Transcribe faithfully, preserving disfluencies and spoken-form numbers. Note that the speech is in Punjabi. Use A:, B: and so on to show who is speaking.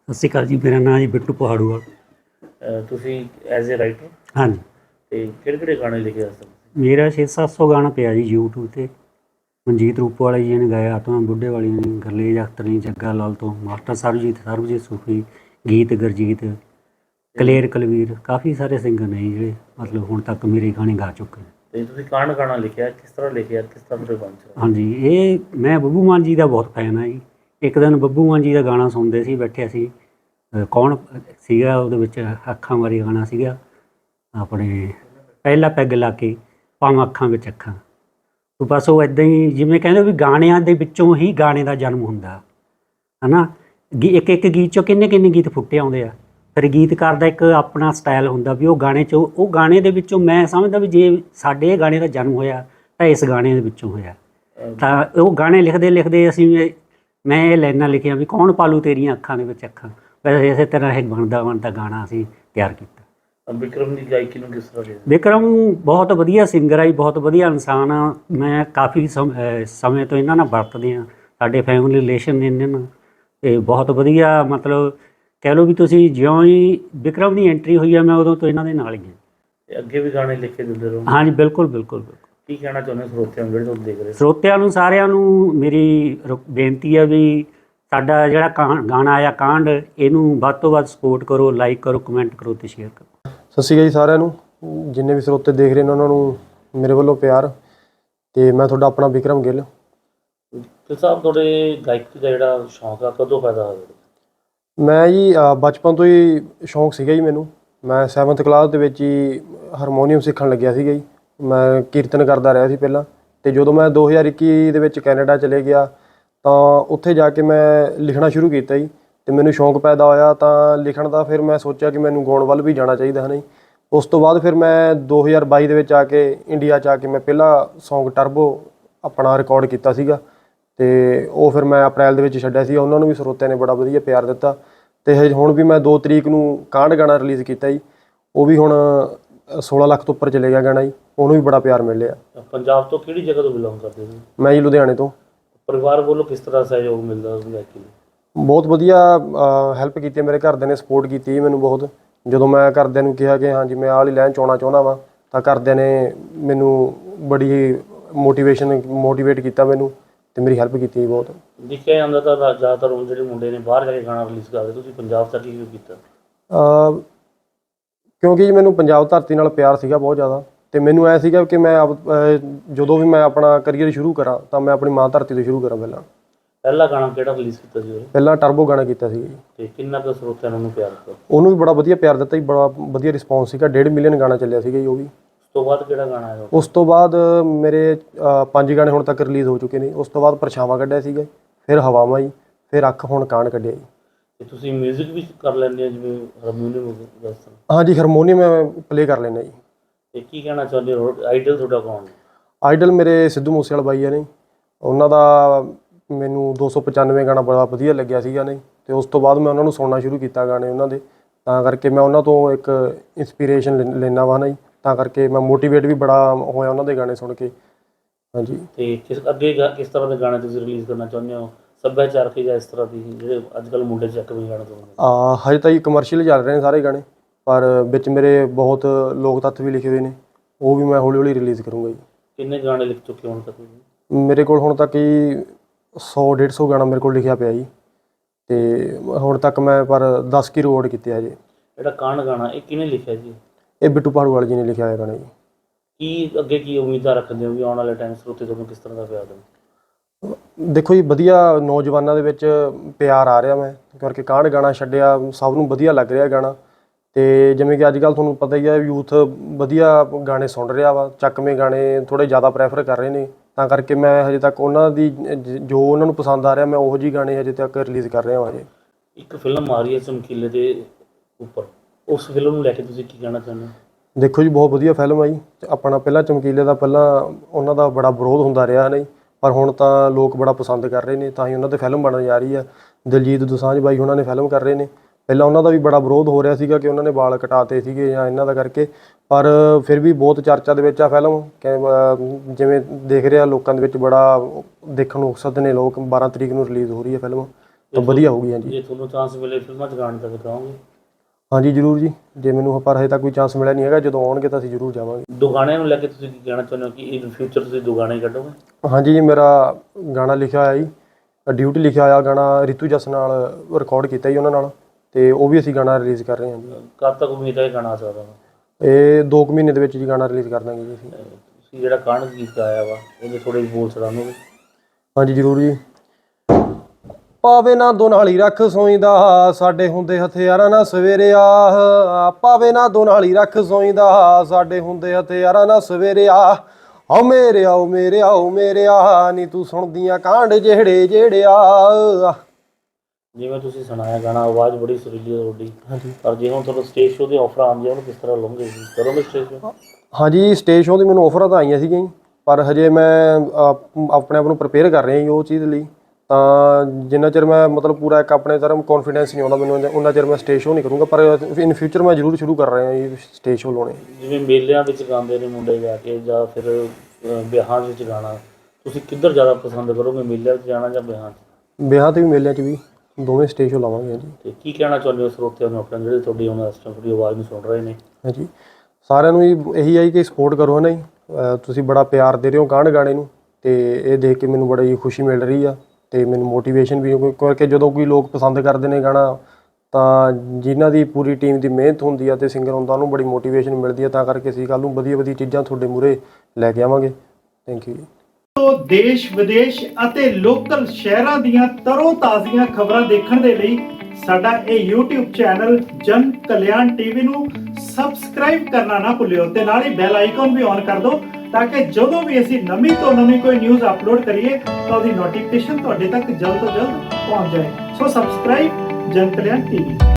A: ਸਤਿ ਸ਼੍ਰੀ ਅਕਾਲ ਜੀ। ਮੇਰਾ ਨਾਮ ਜੀ ਬਿੱਟੂ ਪਹਾੜੂਆ।
B: ਅ, ਤੁਸੀਂ ਐਜ਼ ਏ ਰਾਈਟਰ
A: ਹਾਂਜੀ,
B: ਤੇ ਕਿਹੜੇ ਕਿਹੜੇ ਗਾਣੇ ਲਿਖੇ ਆ ਸਰ?
A: ਮੇਰਾ ਛੇ ਸੱਤ ਸੌ ਗਾਣਾ ਪਿਆ ਜੀ ਯੂਟਿਊਬ 'ਤੇ। ਮਨਜੀਤ ਰੂਪਵਾਲਾ ਜੀ ਨੇ ਗਾਇਆ, ਆਤਮਾ ਬੁੱਢੇ ਵਾਲੀ ਨੇ, ਗੁਰਲੇਜ ਅਖਤਰ ਨੇ, ਜੱਗਾ ਲਾਲ ਤੋਂ, ਮਾਸਟਰ ਸਰਬਜੀਤ ਸਰਬਜੀਤ ਸੂਫੀ, ਗੀਤ ਗੁਰਜੀਤ, ਕਲੇਰ ਕਲਵੀਰ, ਕਾਫੀ ਸਾਰੇ ਸਿੰਗਰ ਨੇ ਜੀ ਜਿਹੜੇ ਮਤਲਬ ਹੁਣ ਤੱਕ ਮੇਰੇ ਗਾਣੇ ਗਾ ਚੁੱਕੇ ਨੇ।
B: ਤੇ ਤੁਸੀਂ ਕਾਂਡ ਗਾਣਾ ਲਿਖਿਆ, ਕਿਸ ਤਰ੍ਹਾਂ ਲਿਖਿਆ, ਕਿਸ ਤਰ੍ਹਾਂ ਦੇ ਬਣ ਚ?
A: ਹਾਂਜੀ, ਇਹ ਮੈਂ ਬੱਬੂ ਮਾਨ ਜੀ ਦਾ ਬਹੁਤ ਫੈਨ ਹਾਂ ਜੀ। ਇੱਕ ਦਿਨ ਬੱਬੂ ਮਾਨ ਜੀ ਦਾ ਗਾਣਾ ਸੁਣਦੇ ਸੀ, ਬੈਠੇ ਸੀ। ਅ, ਕੌਣ ਸੀਗਾ ਉਹਦੇ ਵਿੱਚ, ਅੱਖਾਂ ਬਾਰੇ ਗਾਣਾ ਸੀਗਾ ਆਪਣੇ, ਪਹਿਲਾ ਪੈਗ ਲਾ ਕੇ ਪਾਵਾਂ ਅੱਖਾਂ ਵਿੱਚ ਅੱਖਾਂ। ਤੋ ਬਸ ਉਹ ਇੱਦਾਂ ਹੀ ਜਿਵੇਂ ਕਹਿੰਦੇ ਵੀ ਗਾਣਿਆਂ ਦੇ ਵਿੱਚੋਂ ਹੀ ਗਾਣੇ ਦਾ ਜਨਮ ਹੁੰਦਾ ਹੈ ਨਾ। ਗੀ ਇੱਕ ਇੱਕ ਗੀਤ 'ਚੋਂ ਕਿੰਨੇ ਕਿੰਨੇ ਗੀਤ ਫੁੱਟੇ ਆਉਂਦੇ ਆ। ਫਿਰ ਗੀਤਕਾਰ ਦਾ ਇੱਕ ਆਪਣਾ ਸਟਾਈਲ ਹੁੰਦਾ ਵੀ ਉਹ ਗਾਣੇ 'ਚੋਂ, ਉਹ ਗਾਣੇ ਦੇ ਵਿੱਚੋਂ ਮੈਂ ਸਮਝਦਾ ਵੀ ਜੇ ਸਾਡੇ ਇਹ ਗਾਣੇ ਦਾ ਜਨਮ ਹੋਇਆ ਤਾਂ ਇਸ ਗਾਣੇ ਦੇ ਵਿੱਚੋਂ ਹੋਇਆ। ਤਾਂ ਉਹ ਗਾਣੇ ਲਿਖਦੇ ਲਿਖਦੇ ਅਸੀਂ, ਮੈਂ ਇਹ ਲਾਈਨਾਂ ਲਿਖੀਆਂ ਵੀ ਕੌਣ ਪਾਲੂ ਤੇਰੀਆਂ ਅੱਖਾਂ ਦੇ ਵਿੱਚ ਅੱਖਾਂ। ਵੈਸੇ ਇਸੇ ਤਰ੍ਹਾਂ ਇਹ ਬਣਦਾ ਬਣਦਾ ਗਾਣਾ ਅਸੀਂ ਤਿਆਰ ਕੀਤਾ।
B: ਵਿਕਰਮ ਦੀ ਗਾਇਕੀ ਨੂੰ ਕਿਸ ਤਰ੍ਹਾਂ ਦੇਖਦੇ?
A: ਵਿਕਰਮ ਬਹੁਤ ਵਧੀਆ ਸਿੰਗਰ ਆ ਜੀ, ਬਹੁਤ ਵਧੀਆ ਇਨਸਾਨ ਆ। ਮੈਂ ਕਾਫੀ ਸਮ ਅਹ ਸਮੇਂ ਤੋਂ ਇਹਨਾਂ ਨਾਲ ਵਰਤਦੇ ਹਾਂ, ਸਾਡੇ ਫੈਮਿਲੀ ਰਿਲੇਸ਼ਨ ਨੇ ਇਹਨਾਂ ਨਾਲ। ਅਤੇ ਬਹੁਤ ਵਧੀਆ ਮਤਲਬ ਕਹਿ ਲਓ ਵੀ ਤੁਸੀਂ ਜਿਉਂ ਹੀ ਵਿਕਰਮ ਦੀ ਐਂਟਰੀ ਹੋਈ ਆ ਮੈਂ ਉਦੋਂ ਤੋਂ ਇਹਨਾਂ ਦੇ ਨਾਲ ਹੀ ਹਾਂ।
B: ਤੇ ਅੱਗੇ ਵੀ ਗਾਣੇ ਲਿਖ ਕੇ ਦਿੰਦੇ ਰਹੋ?
A: ਹਾਂਜੀ, ਬਿਲਕੁਲ ਬਿਲਕੁਲ ਬਿਲਕੁਲ।
B: ਕੀ ਕਹਿਣਾ ਚਾਹੁੰਦੇ ਸਰੋਤਿਆਂ ਨੂੰ ਜਿਹੜੇ ਤੁਹਾਨੂੰ ਦੇਖ ਰਹੇ?
A: ਸਰੋਤਿਆਂ ਨੂੰ ਸਾਰਿਆਂ ਨੂੰ ਮੇਰੀ ਰ ਬੇਨਤੀ ਹੈ ਵੀ ਸਾਡਾ ਜਿਹੜਾ ਕਾਂ ਗਾਣਾ ਆਇਆ ਕਾਂਡ, ਇਹਨੂੰ ਵੱਧ ਤੋਂ ਵੱਧ ਸਪੋਰਟ ਕਰੋ, ਲਾਈਕ ਕਰੋ, ਕਮੈਂਟ ਕਰੋ ਅਤੇ ਸ਼ੇਅਰ ਕਰੋ।
C: ਸਤਿ ਸ਼੍ਰੀ ਅਕਾਲ ਜੀ ਸਾਰਿਆਂ ਨੂੰ, ਜਿੰਨੇ ਵੀ ਸਰੋਤੇ ਦੇਖ ਰਹੇ ਨੇ ਉਹਨਾਂ ਨੂੰ ਮੇਰੇ ਵੱਲੋਂ ਪਿਆਰ। ਅਤੇ ਮੈਂ ਤੁਹਾਡਾ ਆਪਣਾ ਵਿਕਰਮ ਗਿੱਲ।
B: ਤੇ ਸਾਹਿਬ, ਤੁਹਾਡੇ ਗਾਇਕੀ ਦਾ ਜਿਹੜਾ ਸ਼ੌਂਕ ਆ ਕਦੋਂ ਪੈਦਾ ਹੋਇਆ?
C: ਮੈਂ ਜੀ ਬਚਪਨ ਤੋਂ ਹੀ ਸ਼ੌਂਕ ਸੀਗਾ ਜੀ ਮੈਨੂੰ। ਮੈਂ ਸੈਵਨਥ ਕਲਾਸ ਦੇ ਵਿੱਚ ਹੀ ਹਾਰਮੋਨੀਅਮ ਸਿੱਖਣ ਲੱਗਿਆ ਸੀਗਾ ਜੀ। ਮੈਂ ਕੀਰਤਨ ਕਰਦਾ ਰਿਹਾ ਸੀ ਪਹਿਲਾਂ, ਅਤੇ ਜਦੋਂ ਮੈਂ ਦੋ ਹਜ਼ਾਰ ਇੱਕੀ ਦੇ ਵਿੱਚ ਕੈਨੇਡਾ ਚਲੇ ਗਿਆ ਤਾਂ ਉੱਥੇ ਜਾ ਕੇ ਮੈਂ ਲਿਖਣਾ ਸ਼ੁਰੂ ਕੀਤਾ ਜੀ। ਅਤੇ ਮੈਨੂੰ ਸ਼ੌਂਕ ਪੈਦਾ ਹੋਇਆ ਤਾਂ ਲਿਖਣ ਦਾ। ਫਿਰ ਮੈਂ ਸੋਚਿਆ ਕਿ ਮੈਨੂੰ ਗਾਉਣ ਵੱਲ ਵੀ ਜਾਣਾ ਚਾਹੀਦਾ ਹੈ ਨਾ ਜੀ। ਉਸ ਤੋਂ ਬਾਅਦ ਫਿਰ ਮੈਂ ਦੋ ਹਜ਼ਾਰ ਬਾਈ ਦੇ ਵਿੱਚ ਆ ਕੇ ਇੰਡੀਆ 'ਚ ਆ ਕੇ ਮੈਂ ਪਹਿਲਾ ਸੌਂਗ ਟਰਬੋ ਆਪਣਾ ਰਿਕਾਰਡ ਕੀਤਾ ਸੀਗਾ। ਅਤੇ ਉਹ ਫਿਰ ਮੈਂ ਅਪ੍ਰੈਲ ਦੇ ਵਿੱਚ ਛੱਡਿਆ ਸੀ। ਉਹਨਾਂ ਨੂੰ ਵੀ ਸਰੋਤਿਆਂ ਨੇ ਬੜਾ ਵਧੀਆ ਪਿਆਰ ਦਿੱਤਾ। ਅਤੇ ਹਜੇ ਹੁਣ ਵੀ ਮੈਂ ਦੋ ਤਰੀਕ ਨੂੰ ਕਾਂਡ ਗਾਣਾ ਰਿਲੀਜ਼ ਕੀਤਾ ਜੀ। ਉਹ ਵੀ ਹੁਣ ਸੋਲਾਂ ਲੱਖ ਤੋਂ ਉੱਪਰ ਚਲੇ ਗਿਆ ਗਾਣਾ ਜੀ। ਉਹਨੂੰ ਵੀ ਬੜਾ ਪਿਆਰ ਮਿਲਿਆ।
B: ਪੰਜਾਬ ਤੋਂ ਕਿਹੜੀ ਜਗ੍ਹਾ ਤੋਂ ਬਿਲੋਂਗ ਕਰਦੇ ਸੀ?
C: ਮੈਂ ਜੀ ਲੁਧਿਆਣੇ ਤੋਂ।
B: ਪਰਿਵਾਰ ਵੱਲੋਂ ਕਿਸ ਤਰ੍ਹਾਂ ਸਹਿਯੋਗ ਮਿਲਦਾ ਗਾਇਕੀ ਲਈ?
C: ਬਹੁਤ ਵਧੀਆ ਹੈਲਪ ਕੀਤੀ ਮੇਰੇ ਘਰਦਿਆਂ ਨੇ, ਸਪੋਰਟ ਕੀਤੀ ਜੀ ਮੈਨੂੰ ਬਹੁਤ। ਜਦੋਂ ਮੈਂ ਘਰਦਿਆਂ ਨੂੰ ਕਿਹਾ ਕਿ ਹਾਂਜੀ ਮੈਂ ਆਹ ਵਾਲੀ ਲਾਈਨ 'ਚ ਆਉਣਾ ਚਾਹੁੰਦਾ ਵਾਂ, ਤਾਂ ਘਰਦਿਆਂ ਨੇ ਮੈਨੂੰ ਬੜੀ ਮੋਟੀਵੇਸ਼ਨ ਮੋਟੀਵੇਟ ਕੀਤਾ ਮੈਨੂੰ, ਅਤੇ ਮੇਰੀ ਹੈਲਪ ਕੀਤੀ ਜੀ ਬਹੁਤ।
B: ਦੇਖਿਆ ਜਾਂਦਾ ਤਾਂ ਜ਼ਿਆਦਾਤਰ ਹੁਣ ਜਿਹੜੇ ਮੁੰਡੇ ਨੇ ਬਾਹਰ ਜਾ ਕੇ ਗਾਣਾ ਰਿਲੀਜ਼ ਕਰਦੇ, ਤੁਸੀਂ ਪੰਜਾਬ ਤੱਕ ਹੀ ਕਿਉਂ ਕੀਤਾ?
C: ਕਿਉਂਕਿ ਜੀ ਮੈਨੂੰ ਪੰਜਾਬ ਧਰਤੀ ਨਾਲ ਪਿਆਰ ਸੀਗਾ ਬਹੁਤ ਜ਼ਿਆਦਾ। ਅਤੇ ਮੈਨੂੰ ਐਂ ਸੀਗਾ ਕਿ ਮੈਂ ਆਪ ਜਦੋਂ ਵੀ ਮੈਂ ਆਪਣਾ ਕਰੀਅਰ ਸ਼ੁਰੂ ਕਰਾਂ ਤਾਂ ਮੈਂ ਆਪਣੀ ਮਾਂ ਧਰਤੀ ਤੋਂ ਸ਼ੁਰੂ ਕਰਾਂ। ਪਹਿਲਾਂ
B: ਪਹਿਲਾ ਗਾਣਾ ਕਿਹੜਾ ਰਿਲੀਜ਼ ਕੀਤਾ ਸੀ?
C: ਪਹਿਲਾਂ ਟਰਬੋ ਗਾਣਾ ਕੀਤਾ ਸੀ ਜੀ।
B: ਅਤੇ ਕਿੰਨਾ ਕੁ ਸਰੋਤਿਆਂ ਨੇ ਉਹਨੂੰ ਪਿਆਰ ਦਿੱਤਾ?
C: ਉਹਨੂੰ ਵੀ ਬੜਾ ਵਧੀਆ ਪਿਆਰ ਦਿੱਤਾ ਜੀ, ਬੜਾ ਵਧੀਆ ਰਿਸਪੌਂਸ ਸੀਗਾ। ਡੇਢ ਮਿਲੀਅਨ ਗਾਣਾ ਚੱਲਿਆ ਸੀਗਾ ਜੀ ਉਹ ਵੀ।
B: ਉਸ ਤੋਂ ਬਾਅਦ ਕਿਹੜਾ ਗਾਣਾ ਆਇਆ?
C: ਉਸ ਤੋਂ ਬਾਅਦ ਮੇਰੇ ਪੰਜ ਗਾਣੇ ਹੁਣ ਤੱਕ ਰਿਲੀਜ਼ ਹੋ ਚੁੱਕੇ ਨੇ। ਉਸ ਤੋਂ ਬਾਅਦ ਪਰਛਾਵਾਂ ਕੱਢਿਆ ਸੀਗਾ, ਫਿਰ ਹਵਾਵਾਂ ਜੀ, ਫਿਰ ਅੱਖ, ਹੁਣ ਕਾਂਡ ਕੱਢਿਆ ਜੀ।
B: ਅਤੇ ਤੁਸੀਂ ਮਿਊਜ਼ਿਕ ਵੀ ਕਰ ਲੈਂਦੇ ਹੋ ਜਿਵੇਂ ਹਾਰਮੋਨੀਅਮ ਦੱਸ?
C: ਹਾਂਜੀ, ਹਾਰਮੋਨੀਅਮ ਮੈਂ ਪਲੇਅ ਕਰ ਲੈਂਦਾ ਜੀ।
B: ਅਤੇ ਕੀ ਕਹਿਣਾ ਚਾਹੁੰਦੇ ਹੋ, ਆਈਡਲ ਤੁਹਾਡਾ ਕੌਣ?
C: ਆਈਡਲ ਮੇਰੇ ਸਿੱਧੂ ਮੂਸੇਵਾਲਾ ਬਾਈ ਆ ਨੇ। ਉਹਨਾਂ ਦਾ ਮੈਨੂੰ ਦੋ ਸੌ ਪਚਾਨਵੇਂ ਗਾਣਾ ਬੜਾ ਵਧੀਆ ਲੱਗਿਆ ਸੀਗਾ ਨੇ। ਅਤੇ ਉਸ ਤੋਂ ਬਾਅਦ ਮੈਂ ਉਹਨਾਂ ਨੂੰ ਸੁਣਨਾ ਸ਼ੁਰੂ ਕੀਤਾ ਗਾਣੇ ਉਹਨਾਂ ਦੇ। ਤਾਂ ਕਰਕੇ ਮੈਂ ਉਹਨਾਂ ਤੋਂ ਇੱਕ ਇੰਸਪੀਰੇਸ਼ਨ ਲੈ ਲੈਂਦਾ ਵਾ ਨਾ ਜੀ। ਤਾਂ ਕਰਕੇ ਮੈਂ ਮੋਟੀਵੇਟ ਵੀ ਬੜਾ ਹੋਇਆ ਉਹਨਾਂ ਦੇ ਗਾਣੇ ਸੁਣ ਕੇ। ਹਾਂਜੀ।
B: ਅਤੇ ਕਿਸ ਅੱਗੇ ਕਿਸ ਤਰ੍ਹਾਂ ਦੇ ਗਾਣੇ ਤੁਸੀਂ ਰਿਲੀਜ਼ ਕਰਨਾ ਚਾਹੁੰਦੇ ਹੋ, ਸੱਭਿਆਚਾਰਕ ਜਾਂ ਇਸ ਤਰ੍ਹਾਂ ਦੀ ਜਿਹੜੇ ਅੱਜ ਕੱਲ੍ਹ ਮੁੰਡੇ ਚੱਕ ਵੀ ਗਾਣਾ ਚਾਹੁੰਦੇ?
C: ਹਜੇ ਤਾਂ ਜੀ ਕਮਰਸ਼ੀਅਲ ਚੱਲ ਰਹੇ ਨੇ ਸਾਰੇ ਗਾਣੇ, ਪਰ ਵਿੱਚ ਮੇਰੇ ਬਹੁਤ ਲੋਕ ਤੱਤ ਵੀ ਲਿਖੇ ਹੋਏ ਨੇ। ਉਹ ਵੀ ਮੈਂ ਹੌਲੀ ਹੌਲੀ ਰਿਲੀਜ਼ ਕਰੂੰਗਾ ਜੀ।
B: ਕਿੰਨੇ ਗਾਣੇ ਲਿਖ ਚੁੱਕੇ ਹੁਣ ਤੱਕ?
C: ਮੇਰੇ ਕੋਲ ਹੁਣ ਤੱਕ ਜੀ ਸੌ ਡੇਢ ਸੌ ਗਾਣਾ ਮੇਰੇ ਕੋਲ ਲਿਖਿਆ ਪਿਆ ਜੀ। ਅਤੇ ਹੁਣ ਤੱਕ ਮੈਂ ਪਰ ਦਸ ਕੀ ਰਿਕਾਰਡ ਕੀਤੇ ਆ ਜੀ।
B: ਜਿਹੜਾ ਕਾਂਡ ਗਾਣਾ ਇਹ ਕਿਹਨੇ ਲਿਖਿਆ ਜੀ?
C: ਇਹ ਬਿੱਟੂ ਪਹਾੜੂਵਾਲ ਜੀ ਨੇ ਲਿਖਿਆ ਹੋਇਆ ਗਾਣਾ ਜੀ।
B: ਕੀ ਅੱਗੇ ਕੀ ਉਮੀਦਾਂ ਰੱਖਦੇ ਹੋ ਵੀ ਆਉਣ ਵਾਲੇ ਟਾਈਮ ਸਰੋਤੇ ਤੁਹਾਨੂੰ ਕਿਸ ਤਰ੍ਹਾਂ ਦਾ ਪਿਆਰ ਦੇਣ?
C: ਦੇਖੋ ਜੀ, ਵਧੀਆ ਨੌਜਵਾਨਾਂ ਦੇ ਵਿੱਚ ਪਿਆਰ ਆ ਰਿਹਾ। ਮੈਂ ਕਰਕੇ ਕਾਂਡ ਗਾਣਾ ਛੱਡਿਆ, ਸਭ ਨੂੰ ਵਧੀਆ ਲੱਗ ਰਿਹਾ ਗਾਣਾ। ਅਤੇ ਜਿਵੇਂ ਕਿ ਅੱਜ ਕੱਲ੍ਹ ਤੁਹਾਨੂੰ ਪਤਾ ਹੀ ਹੈ, ਯੂਥ ਵਧੀਆ ਗਾਣੇ ਸੁਣ ਰਿਹਾ ਵਾ, ਚੱਕਵੇਂ ਗਾਣੇ ਥੋੜ੍ਹੇ ਜ਼ਿਆਦਾ ਪ੍ਰੈਫਰ ਕਰ ਰਹੇ ਨੇ। ਤਾਂ ਕਰਕੇ ਮੈਂ ਹਜੇ ਤੱਕ ਉਹਨਾਂ ਦੀ ਜੋ ਉਹਨਾਂ ਨੂੰ ਪਸੰਦ ਆ ਰਿਹਾ, ਮੈਂ ਉਹੋ ਜਿਹੀ ਗਾਣੇ ਹਜੇ ਤੱਕ ਰਿਲੀਜ਼ ਕਰ ਰਿਹਾ ਹਾਂ ਹਜੇ।
B: ਇੱਕ ਫਿਲਮ ਆ ਰਹੀ ਹੈ ਚਮਕੀਲੇ ਦੇ ਉੱਪਰ, ਉਸ ਫਿਲਮ ਨੂੰ ਲੈ ਕੇ ਤੁਸੀਂ ਕੀ ਕਹਿਣਾ ਚਾਹੁੰਦੇ ਹੋ?
C: ਦੇਖੋ ਜੀ, ਬਹੁਤ ਵਧੀਆ ਫਿਲਮ ਆ ਜੀ। ਆਪਣਾ ਪਹਿਲਾਂ ਚਮਕੀਲੇ ਦਾ ਪਹਿਲਾਂ ਉਹਨਾਂ ਦਾ ਬੜਾ ਵਿਰੋਧ ਹੁੰਦਾ ਰਿਹਾ ਨਹੀਂ, ਪਰ ਹੁਣ ਤਾਂ ਲੋਕ ਬੜਾ ਪਸੰਦ ਕਰ ਰਹੇ ਨੇ, ਤਾਂ ਹੀ ਉਹਨਾਂ 'ਤੇ ਫਿਲਮ ਬਣਨ ਜਾ ਰਹੀ ਆ। ਦਿਲਜੀਤ ਦੋਸਾਂਝ ਬਾਈ ਉਹਨਾਂ ਨੇ ਫਿਲਮ ਕਰ ਰਹੇ ਨੇ। ਪਹਿਲਾਂ ਉਹਨਾਂ ਦਾ ਵੀ ਬੜਾ ਵਿਰੋਧ ਹੋ ਰਿਹਾ ਸੀਗਾ ਕਿ ਉਹਨਾਂ ਨੇ ਵਾਲ ਕਟਾਤੇ ਸੀਗੇ ਜਾਂ ਇਹਨਾਂ ਦਾ ਕਰਕੇ, ਪਰ ਫਿਰ ਵੀ ਬਹੁਤ ਚਰਚਾ ਦੇ ਵਿੱਚ ਆ ਫਿਲਮ। ਜਿਵੇਂ ਦੇਖ ਰਿਹਾ ਲੋਕਾਂ ਦੇ ਵਿੱਚ ਬੜਾ ਦੇਖਣ ਨੂੰ ਉਕਸਤ ਨੇ ਲੋਕ। ਬਾਰਾਂ ਤਰੀਕ ਨੂੰ ਰਿਲੀਜ਼ ਹੋ ਰਹੀ ਹੈ ਫਿਲਮ। ਤਾਂ ਵਧੀਆ ਹੋਊਗੀ। ਹਾਂਜੀ
B: ਜੇ ਤੁਹਾਨੂੰ ਚਾਂਸ ਮਿਲੇ ਫਿਲਮਾਂ 'ਚ ਗਾਣ ਤੱਕ ਕਰਾਂਗੇ?
C: ਹਾਂਜੀ ਜ਼ਰੂਰ ਜੀ, ਜੇ ਮੈਨੂੰ ਪਰ ਹਜੇ ਤੱਕ ਕੋਈ ਚਾਂਸ ਮਿਲਿਆ ਨਹੀਂ ਹੈਗਾ, ਜਦੋਂ ਆਉਣਗੇ ਤਾਂ ਅਸੀਂ ਜ਼ਰੂਰ ਜਾਵਾਂਗੇ।
B: ਦੋ ਗਾਣਿਆਂ ਨੂੰ ਲੈ ਕੇ ਤੁਸੀਂ ਕੀ ਕਹਿਣਾ ਚਾਹੁੰਦੇ ਹੋ ਕਿ ਇਨ ਫਿਊਚਰ ਤੁਸੀਂ ਦੋ ਗਾਣੇ ਕੱਢੋਗੇ?
C: ਹਾਂਜੀ ਜੀ, ਮੇਰਾ ਗਾਣਾ ਲਿਖਿਆ ਹੋਇਆ ਜੀ, ਡਿਊਟੀ ਲਿਖਿਆ ਹੋਇਆ ਗਾਣਾ ਰਿਤੂ ਜਸ ਨਾਲ ਰਿਕਾਰਡ ਕੀਤਾ ਜੀ ਉਹਨਾਂ ਨਾਲ, ਤੇ ਉਹ ਵੀ ਅਸੀਂ ਗਾਣਾ ਰਿਲੀਜ਼ ਕਰ ਰਹੇ ਹਾਂ ਜੀ।
B: ਕਦ ਤੱਕ ਉਮੀਦ ਹੈ ਇਹ ਗਾਣਾ ਆ ਸਕਦਾ ਵਾ?
C: ਇਹ ਦੋ ਕੁ ਮਹੀਨੇ ਦੇ ਵਿੱਚ ਜੀ ਗਾਣਾ ਰਿਲੀਜ਼ ਕਰ ਦਾਂਗੇ ਜੀ ਅਸੀਂ।
B: ਤੁਸੀਂ ਜਿਹੜਾ ਕਾਂਡ ਗੀਤ ਗਾਇਆ ਵਾ ਉਹਦੇ ਥੋੜ੍ਹੇ ਬੋਲ ਸੁਣਾਓਗੇ?
C: ਹਾਂਜੀ ਜ਼ਰੂਰ ਜੀ। ਪਾਵੇ ਨਾ ਦੁਨਾਲੀ ਰੱਖ ਸੋਈਂਦਾ, ਸਾਡੇ ਹੁੰਦੇ ਹਥਿਆਰਾਂ ਨਾਲ ਸਵੇਰਿਆ, ਪਾਵੇ ਨਾ ਦੁਨਾਲੀ ਰੱਖ ਸੋਈਂਦਾ, ਸਾਡੇ ਹੁੰਦੇ ਹਥਿਆਰਾਂ ਨਾਲ ਸਵੇਰਿਆ, ਆਓ ਮੇਰੇ ਆਓ ਮੇਰੇ ਆਓ ਮੇਰੇ ਆ, ਨੀ ਤੂੰ ਸੁਣਦੀਆਂ ਕਾਂਡ ਜਿਹੜੇ ਜਿਹੜੇ ਆ।
B: ਜਿਵੇਂ ਤੁਸੀਂ ਸੁਣਾਇਆ ਗਾਣਾ, ਆਵਾਜ਼ ਬੜੀ ਸੁਰੀਲੀ ਹੈ ਤੁਹਾਡੀ।
C: ਹਾਂਜੀ
B: ਪਰ ਜੇ ਹੁਣ ਤੁਹਾਨੂੰ ਸਟੇਜ ਸ਼ੋਅ ਦੀ ਆਫਰ ਆਉਂਦੀ ਉਹਨੂੰ ਕਿਸ ਤਰ੍ਹਾਂ ਲਓਗੇ? ਕਰੋਗੇ ਸਟੇਜ ਸ਼ੋਅ?
C: ਹਾਂਜੀ ਸਟੇਜ ਸ਼ੋਅ ਦੀ ਮੈਨੂੰ ਆਫਰਾਂ ਤਾਂ ਆਈਆਂ ਸੀਗੀਆਂ ਜੀ, ਪਰ ਹਜੇ ਮੈਂ ਅ, ਆਪਣੇ ਆਪ ਨੂੰ ਪ੍ਰਪੇਅਰ ਕਰ ਰਿਹਾ ਜੀ ਉਹ ਚੀਜ਼ ਲਈ। ਤਾਂ ਜਿੰਨਾ ਚਿਰ ਮੈਂ ਮਤਲਬ ਪੂਰਾ ਇੱਕ ਆਪਣੇ ਤਰ੍ਹਾਂ ਕੌਨਫੀਡੈਂਸ ਨਹੀਂ ਆਉਂਦਾ ਮੈਨੂੰ, ਉਹਨਾਂ ਚਿਰ ਮੈਂ ਸਟੇਜ ਸ਼ੋਅ ਨਹੀਂ ਕਰੂੰਗਾ, ਪਰ ਇਨ ਫਿਊਚਰ ਮੈਂ ਜ਼ਰੂਰ ਸ਼ੁਰੂ ਕਰ ਰਿਹਾ ਜੀ ਸਟੇਜ ਸ਼ੋਅ ਲਾਉਣੇ।
B: ਜਿਵੇਂ ਮੇਲਿਆਂ ਵਿੱਚ ਗਾਉਂਦੇ ਨੇ ਮੁੰਡੇ ਜਾ ਕੇ, ਜਾਂ ਫਿਰ ਅ, ਵਿਆਹਾਂ ਵਿੱਚ ਗਾਣਾ, ਤੁਸੀਂ ਕਿੱਧਰ ਜ਼ਿਆਦਾ ਪਸੰਦ ਕਰੋਗੇ, ਮੇਲਿਆਂ 'ਚ ਜਾਣਾ ਜਾਂ ਵਿਆਹਾਂ 'ਚ?
C: ਵਿਆਹ 'ਤੇ ਵੀ ਮੇਲਿਆਂ 'ਚ ਵੀ ਦੋਵੇਂ ਸਟੇਜ ਸ਼ੋਅ ਲਾਵਾਂਗੇ ਜੀ।
B: ਅਤੇ ਕੀ ਕਹਿਣਾ ਚਾਹੁੰਦੇ ਹੋ ਸਰੋਤਿਆਂ ਨੂੰ ਆਪਣੇ, ਜਿਹੜੇ ਤੁਹਾਡੀ ਹੁਣ ਇਸ ਟਾਈਮ ਤੁਹਾਡੀ ਆਵਾਜ਼ ਨੂੰ ਸੁਣ ਰਹੇ ਨੇ?
C: ਹਾਂਜੀ ਸਾਰਿਆਂ ਨੂੰ ਜੀ ਇਹੀ ਹੈ ਕਿ ਸਪੋਰਟ ਕਰੋ ਹੈ ਨਾ ਜੀ, ਅ, ਤੁਸੀਂ ਬੜਾ ਪਿਆਰ ਦੇ ਰਹੇ ਹੋ ਗਾਣ ਗਾਣੇ ਨੂੰ, ਅਤੇ ਇਹ ਦੇਖ ਕੇ ਮੈਨੂੰ ਬੜੀ ਖੁਸ਼ੀ ਮਿਲ ਰਹੀ ਆ, ਅਤੇ ਮੈਨੂੰ ਮੋਟੀਵੇਸ਼ਨ ਵੀ, ਕਿਉਂਕਿ ਜਦੋਂ ਕੋਈ ਲੋਕ ਪਸੰਦ ਕਰਦੇ ਨੇ ਗਾਣਾ, ਤਾਂ ਜਿਨ੍ਹਾਂ ਦੀ ਪੂਰੀ ਟੀਮ ਦੀ ਮਿਹਨਤ ਹੁੰਦੀ ਆ ਅਤੇ ਸਿੰਗਰ ਹੁੰਦਾ ਉਹਨੂੰ ਬੜੀ ਮੋਟੀਵੇਸ਼ਨ ਮਿਲਦੀ ਹੈ, ਤਾਂ ਕਰਕੇ ਅਸੀਂ ਕੱਲ੍ਹ ਨੂੰ ਵਧੀਆ ਵਧੀਆ ਚੀਜ਼ਾਂ ਤੁਹਾਡੇ ਮੂਹਰੇ ਲੈ ਕੇ ਆਵਾਂਗੇ। ਥੈਂਕ ਯੂ ਜੀ।
D: ਤੋਂ ਦੇਸ਼ ਵਿਦੇਸ਼ ਅਤੇ ਲੋਕਲ ਸ਼ਹਿਰਾਂ ਦੀਆਂ ਤਰੋ ਤਾਜ਼ੀਆਂ ਖਬਰਾਂ ਦੇਖਣ ਦੇ ਲਈ ਸਾਡਾ ਇਹ YouTube ਚੈਨਲ ਜਨ ਕਲਿਆਣ ਟੀਵੀ ਨੂੰ ਸਬਸਕ੍ਰਾਈਬ ਕਰਨਾ ਨਾ ਭੁੱਲਿਓ, ਤੇ ਨਾਲ ਹੀ ਬੈਲ ਆਈਕਨ ਵੀ ਔਨ ਕਰ ਦਿਓ, ਤਾਂ ਕਿ ਜਦੋਂ ਵੀ ਅਸੀਂ ਨਵੀਂ ਤੋਂ ਨਵੀਂ ਕੋਈ ਨਿਊਜ਼ ਅਪਲੋਡ ਕਰੀਏ ਤਾਂ ਉਹਦੀ ਨੋਟੀਫਿਕੇਸ਼ਨ ਤੁਹਾਡੇ ਤੱਕ ਜਲਦ ਤੋਂ ਜਲਦ ਪਹੁੰਚ ਜਾਏ। ਸੋ ਸਬਸਕ੍ਰਾਈਬ ਜਨ ਕਲਿਆਣ ਟੀਵੀ।